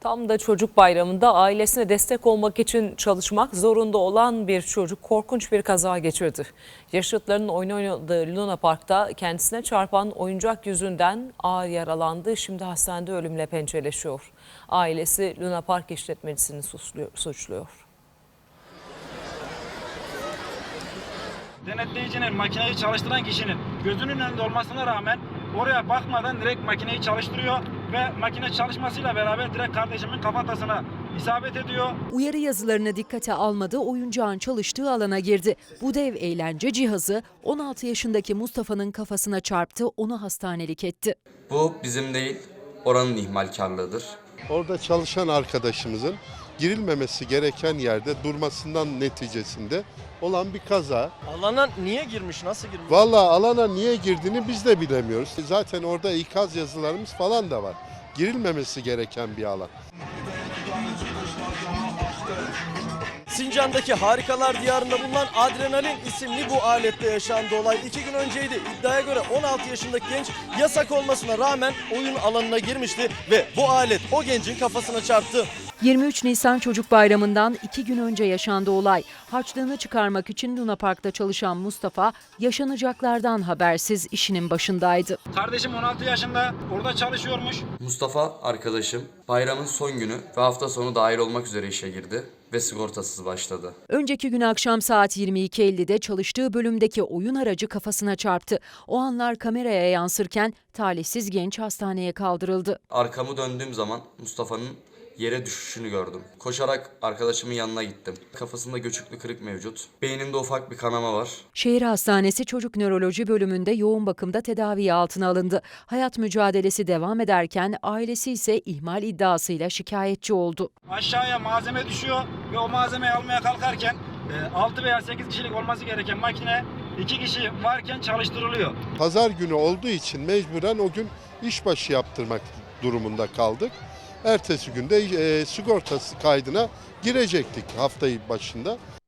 Tam da çocuk bayramında ailesine destek olmak için çalışmak zorunda olan bir çocuk korkunç bir kaza geçirdi. Yaşıtlarının oyun oynadığı Luna Park'ta kendisine çarpan oyuncak yüzünden ağır yaralandı. Şimdi hastanede ölümle pençeleşiyor. Ailesi Luna Park işletmecisini suçluyor. Denetleyicinin, makineyi çalıştıran kişinin gözünün önünde olmasına rağmen oraya bakmadan direkt makineyi çalıştırıyor ve makine çalışmasıyla beraber direkt kardeşimin kafatasına isabet ediyor. Uyarı yazılarını dikkate almadı, oyuncağın çalıştığı alana girdi. Bu dev eğlence cihazı 16 yaşındaki Mustafa'nın kafasına çarptı, onu hastanelik etti. Bu bizim değil, oranın ihmalkarlığıdır. Orada çalışan arkadaşımızın girilmemesi gereken yerde durmasından neticesinde olan bir kaza. Alana niye girmiş, nasıl girmiş? Vallahi alana niye girdiğini biz de bilemiyoruz. Zaten orada ikaz yazılarımız falan da var. Girilmemesi gereken bir alan. Sincan'daki Harikalar Diyarı'nda bulunan Adrenalin isimli bu alette yaşandı olay. 2 gün önceydi. İddiaya göre 16 yaşındaki genç yasak olmasına rağmen oyun alanına girmişti ve bu alet o gencin kafasına çarptı. 23 Nisan Çocuk Bayramı'ndan 2 gün önce yaşandı olay. Harçlığını çıkarmak için Luna Park'ta çalışan Mustafa yaşanacaklardan habersiz işinin başındaydı. Kardeşim 16 yaşında, orada çalışıyormuş. Mustafa arkadaşım bayramın son günü ve hafta sonu dahil olmak üzere işe girdi ve sigortasız başladı. Önceki gün akşam saat 22.50'de çalıştığı bölümdeki oyun aracı kafasına çarptı. O anlar kameraya yansırken talihsiz genç hastaneye kaldırıldı. Arkamı döndüğüm zaman Mustafa'nın yere düşüşünü gördüm. Koşarak arkadaşımın yanına gittim. Kafasında göçüklü kırık mevcut. Beyninde ufak bir kanama var. Şehir Hastanesi Çocuk Nöroloji bölümünde yoğun bakımda tedavi altına alındı. Hayat mücadelesi devam ederken ailesi ise ihmal iddiasıyla şikayetçi oldu. Aşağıya malzeme düşüyor ve o malzemeyi almaya kalkarken 6 veya 8 kişilik olması gereken makine 2 kişi varken çalıştırılıyor. Pazar günü olduğu için mecburen o gün işbaşı yaptırmak durumunda kaldık. Ertesi günde sigortası kaydına girecektik haftayı başında.